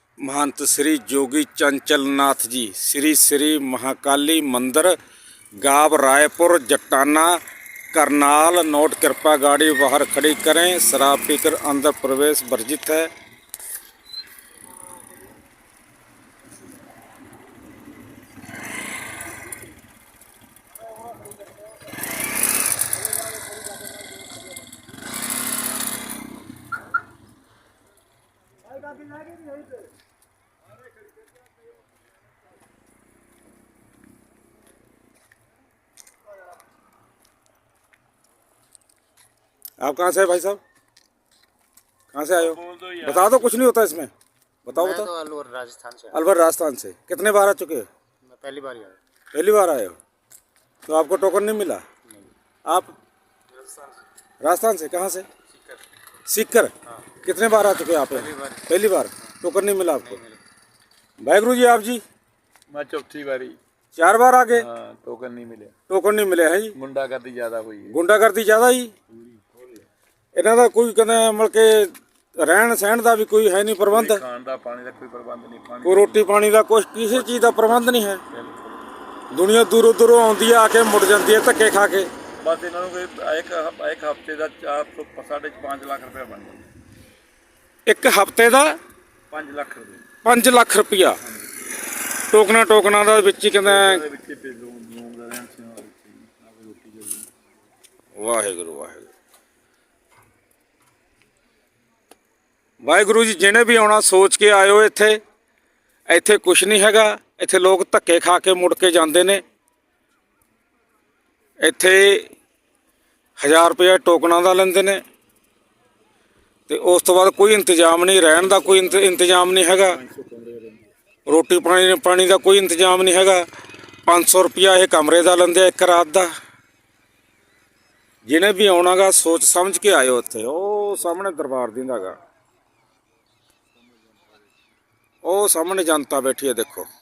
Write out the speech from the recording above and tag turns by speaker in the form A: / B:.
A: महंत श्री जोगी चंचल नाथ जी श्री श्री महाकाली मंदिर गांव रायपुर जटाना करनाल। नोट कृपा गाड़ी बाहर खड़ी करें, शराब पीकर अंदर प्रवेश वर्जित है। आप कहाँ से है भाई साहब? कहाँ से आए हो? बता दो, कुछ नहीं होता इसमें। बताओ
B: मैं
A: बताओ।
B: तो अलवर राजस्थान से।
A: अलवर राजस्थान से कितने बार आ चुके हो?
B: मैं पहली बार ही आया।
A: पहली बार आए हो तो आपको टोकन नहीं मिला?
B: नहीं।
A: आप राजस्थान से कहाँ से? सीकर।
B: हाँ।
A: कितने बार आ चुके हैं आप? पहली बार। टोकन नहीं मिला आपको? वाहिगुरु जी। आप जी?
C: मैं चौथी बारी।
A: 4 बार आ गए?
C: हाँ, टोकन नहीं मिले।
A: टोकन नहीं मिले हैं जी।
C: गुंडागर्दी ज्यादा हुई है।
A: गुंडागर्दी ਜ਼ਿਆਦਾ ਹੀ ਇਹਨਾਂ ਦਾ ਕੋਈ ਕਹਿੰਦਾ ਮਤਲਬ ਕਿ ਰਹਿਣ ਸਹਿਣ ਦਾ ਵੀ ਕੋਈ ਹੈ ਨਹੀਂ ਪ੍ਰਬੰਧ।
C: ਖਾਣ ਦਾ ਪਾਣੀ ਦਾ ਕੋਈ ਪ੍ਰਬੰਧ ਨਹੀਂ। ਪਾਣੀ
A: ਕੋਈ ਰੋਟੀ ਪਾਣੀ ਦਾ ਕੁਛ ਕਿਸੇ ਚੀਜ਼ ਦਾ ਪ੍ਰਬੰਧ ਨਹੀਂ ਹੈ। ਦੁਨੀਆ ਦੂਰੋਂ ਦੂਰੋਂ ਆਉਂਦੀ ਹੈ, ਆ ਕੇ ਮੁੜ ਜਾਂਦੀ ਹੈ ਧੱਕੇ ਖਾ ਕੇ।
C: ਬਸ ਇਹਨਾਂ ਨੂੰ ਕੋਈ ਇੱਕ ਹਫ਼ਤੇ ਦਾ 4 ਤੋਂ 5.5 ਲੱਖ ਰੁਪਏ ਬਣ ਜਾਂਦਾ।
A: ਇੱਕ ਹਫ਼ਤੇ ਦਾ
C: 5 ਲੱਖ ਰੁਪਏ।
A: 5 ਲੱਖ ਰੁਪਇਆ ਟੋਕਨਾ ਦਾ ਵਿੱਚ ਹੀ ਕਹਿੰਦਾ। ਵਾਹਿਗੁਰੂ ਵਾਹਿਗੁਰੂ ਵਾਹਿਗੁਰੂ ਜੀ। ਜਿਹਨੇ ਵੀ ਆਉਣਾ ਸੋਚ ਕੇ ਆਇਓ। ਇੱਥੇ ਕੁਛ ਨਹੀਂ ਹੈਗਾ। ਇੱਥੇ ਲੋਕ ਧੱਕੇ ਖਾ ਕੇ ਮੁੜ ਕੇ ਜਾਂਦੇ ਨੇ। ਇੱਥੇ 1000 ਰੁਪਇਆ ਟੋਕਨਾਂ ਦਾ ਲੈਂਦੇ ਨੇ ਤੇ ਉਸ ਤੋਂ ਬਾਅਦ ਕੋਈ ਇੰਤਜ਼ਾਮ ਨਹੀਂ, ਰਹਿਣ ਦਾ ਕੋਈ ਇੰਤਜ਼ਾਮ ਨਹੀਂ ਹੈਗਾ, ਰੋਟੀ ਪਾਣੀ ਦਾ ਕੋਈ ਇੰਤਜ਼ਾਮ ਨਹੀਂ ਹੈਗਾ। 500 ਰੁਪਇਆ ਇਹ ਕਮਰੇ ਦਾ ਲੈਂਦੇ ਆ ਇੱਕ ਰਾਤ ਦਾ। ਜਿਹਨੇ ਵੀ ਆਉਣਾਗਾ ਸੋਚ ਸਮਝ ਕੇ ਆਇਓ। ਇੱਥੇ ਉਹ ਸਾਹਮਣੇ ਦਰਬਾਰ ਦਿੰਦਾ ਗਾ, ਉਹ ਸਾਹਮਣੇ ਜਨਤਾ ਬੈਠੀ ਹੈ ਦੇਖੋ।